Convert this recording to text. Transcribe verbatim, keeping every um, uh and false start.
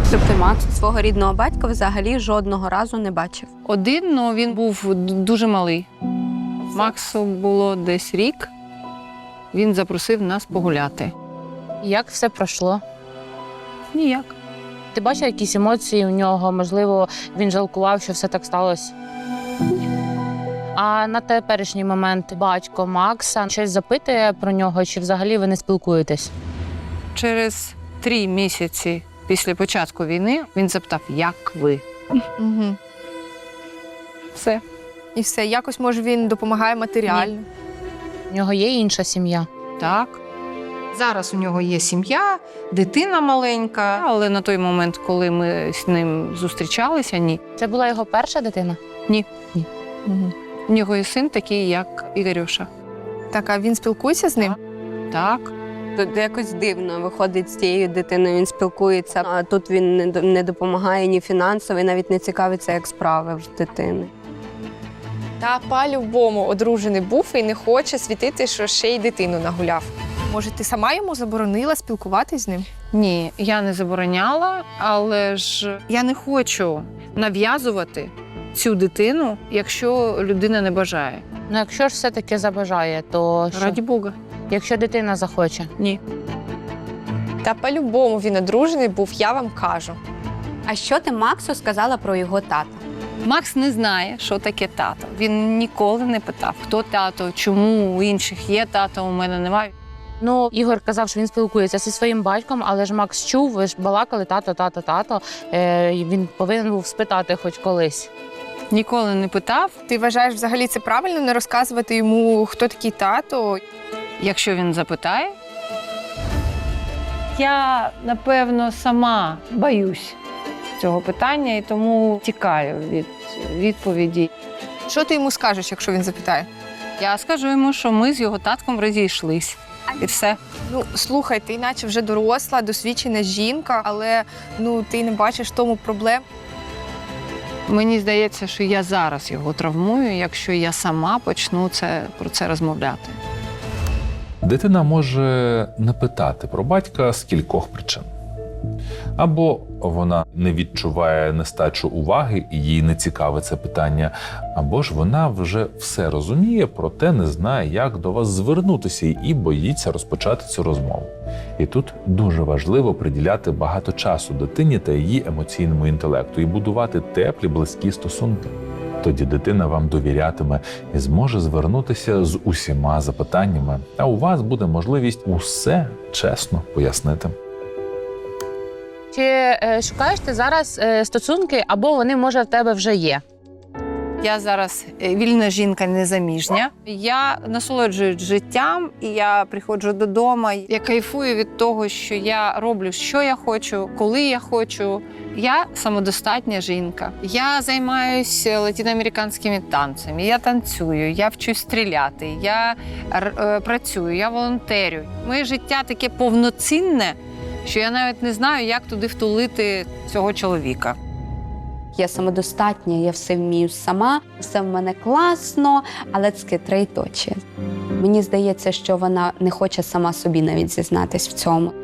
Тобто Макс свого рідного батька взагалі жодного разу не бачив? Один, але він був дуже малий. Максу було десь рік. Він запросив нас погуляти. Як все пройшло? Ніяк. Ти бачив якісь емоції у нього? Можливо, він жалкував, що все так сталося? А на теперішній момент батько Макса щось запитує про нього, чи взагалі ви не спілкуєтесь? Через три місяці після початку війни він запитав, як ви? Угу. Все. І все. Якось, може, він допомагає матеріально? У нього є інша сім'я? Так. Зараз у нього є сім'я, дитина маленька. Але на той момент, коли ми з ним зустрічалися, ні. Це була його перша дитина? Ні. Ні. Угу. У нього є син такий, як Ігорюша. Так, а він спілкується з ним? Так. Тут якось дивно виходить з цією дитиною, він спілкується, а тут він не до- не допомагає ні фінансово, і навіть не цікавиться, як справи в дитини. Та по-любому одружений був і не хоче світити, що ще й дитину нагуляв. Може, ти сама йому заборонила спілкуватись з ним? Ні, я не забороняла, але ж я не хочу нав'язувати цю дитину, якщо людина не бажає. Ну, якщо ж все-таки забажає, то що? Раді Бога. Якщо дитина захоче? Ні. Та по-любому він одружений був, я вам кажу. А що ти Максу сказала про його тата? Макс не знає, що таке тато. Він ніколи не питав, хто тато, чому у інших є тато, у мене немає. Ну, Ігор казав, що він спілкується зі своїм батьком, але ж Макс чув, ви ж балакали тато, тато, тато. Е, і він повинен був спитати хоч колись. Ніколи не питав. Ти вважаєш, взагалі це правильно не розказувати йому, хто такий тато? Якщо він запитає, я, напевно, сама боюсь цього питання і тому тікаю від відповіді. Що ти йому скажеш, якщо він запитає? Я скажу йому, що ми з його татком розійшлись. І все. Ну, слухай, ти наче вже доросла, досвідчена жінка, але ну ти не бачиш в тому проблем. Мені здається, що я зараз його травмую, якщо я сама почну це, про це розмовляти. Дитина може не питати про батька з кількох причин. Або вона не відчуває нестачу уваги і їй не цікаве це питання, або ж вона вже все розуміє, проте не знає, як до вас звернутися і боїться розпочати цю розмову. І тут дуже важливо приділяти багато часу дитині та її емоційному інтелекту і будувати теплі, близькі стосунки. Тоді дитина вам довірятиме і зможе звернутися з усіма запитаннями, а у вас буде можливість усе чесно пояснити. Чи е, шукаєш ти зараз е, стосунки, або вони, може, в тебе вже є? Я зараз вільна жінка, незаміжня. Я насолоджуюсь життям, і я приходжу додому. Я кайфую від того, що я роблю, що я хочу, коли я хочу. Я самодостатня жінка. Я займаюся латиноамериканськими танцями, я танцюю, я вчусь стріляти, я е, працюю, я волонтерю. Моє життя таке повноцінне, що я навіть не знаю, як туди втулити цього чоловіка. Я самодостатня, я все вмію сама, все в мене класно, але це три точі. Мені здається, що вона не хоче сама собі навіть зізнатись в цьому.